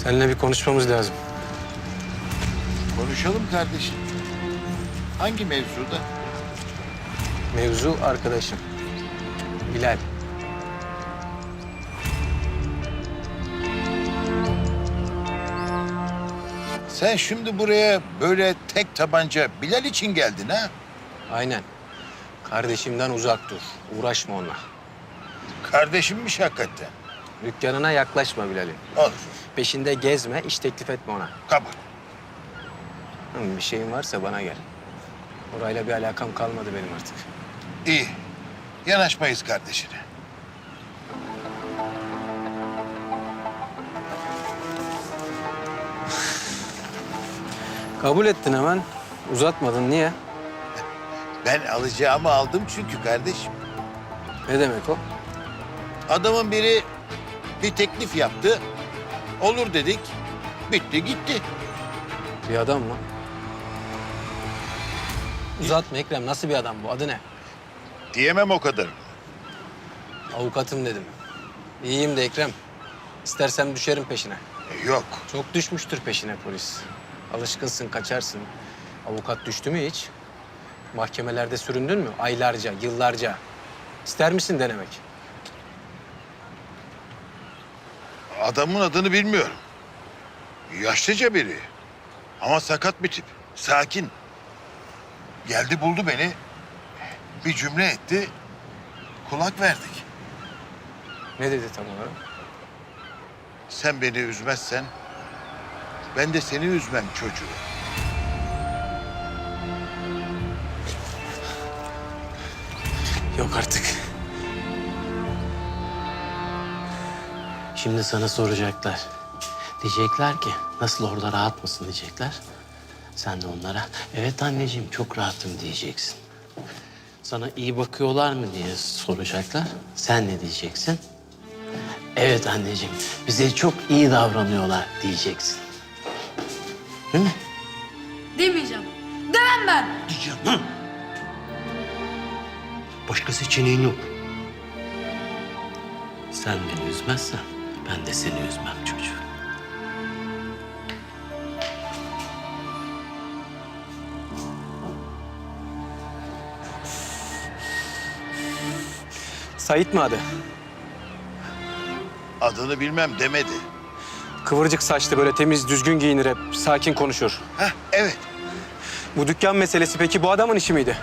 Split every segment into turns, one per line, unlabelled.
Seninle bir konuşmamız lazım.
Konuşalım kardeşim. Hangi mevzuda?
Mevzu arkadaşım. Bilal.
Sen şimdi buraya böyle tek tabanca Bilal için geldin ha?
Aynen. Kardeşimden uzak dur. Uğraşma onunla.
Kardeşimmiş hakikaten.
Dükkanına yaklaşma Bilal'in.
Olur.
Peşinde gezme, iş teklif etme ona.
Kabul.
Bir şeyin varsa bana gel. Orayla bir alakam kalmadı benim artık.
İyi. Yanaşmayız kardeşine.
Kabul ettin hemen. Uzatmadın. Niye?
Ben alacağımı aldım çünkü kardeşim.
Ne demek o?
Adamın biri bir teklif yaptı. Olur dedik. Bitti gitti.
Bir adam mı? Uzatma Ekrem. Nasıl bir adam bu? Adı ne?
Diyemem o kadar.
Avukatım dedim. İyiyim de Ekrem. İstersem düşerim peşine.
Yok.
Çok düşmüştür peşine polis. Alışkınsın, kaçarsın. Avukat düştü mü hiç? Mahkemelerde süründün mü? Aylarca, yıllarca. İster misin denemek?
Adamın adını bilmiyorum. Yaşlıca biri. Ama sakat bir tip. Sakin. Geldi buldu beni. Bir cümle etti. Kulak verdik.
Ne dedi tam olarak?
Sen beni üzmezsen ben de seni üzmem çocuğu.
Yok artık.
Şimdi sana soracaklar. Diyecekler ki nasıl orada rahat mısın diyecekler. Sen de onlara evet anneciğim çok rahatım diyeceksin. Sana iyi bakıyorlar mı diye soracaklar. Sen ne diyeceksin? Evet anneciğim bize çok iyi davranıyorlar diyeceksin. Değil mi?
Demeyeceğim. Demem ben.
Diyeceğim ha. Başka seçeneğin yok. Sen beni üzmezsen ben de seni üzmem çocuğum.
Sait mi adı?
Adını bilmem demedi.
Kıvırcık saçlı, böyle temiz, düzgün giyinir hep. Sakin konuşur.
Heh, evet.
Bu dükkan meselesi peki bu adamın işi miydi?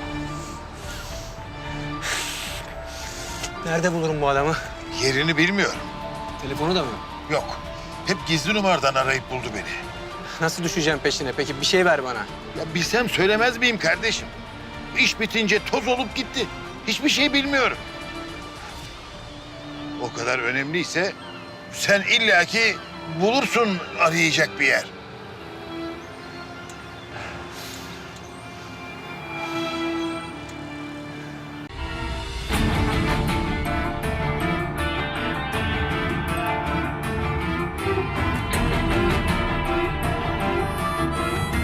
Nerede bulurum bu adamı?
Yerini bilmiyorum.
Telefonu da mı?
Yok. Hep gizli numaradan arayıp buldu beni.
Nasıl düşeceğim peşine? Peki bir şey ver bana.
Ya bilsem söylemez miyim kardeşim? İş bitince toz olup gitti. Hiçbir şey bilmiyorum. O kadar önemliyse sen illaki bulursun arayacak bir yer.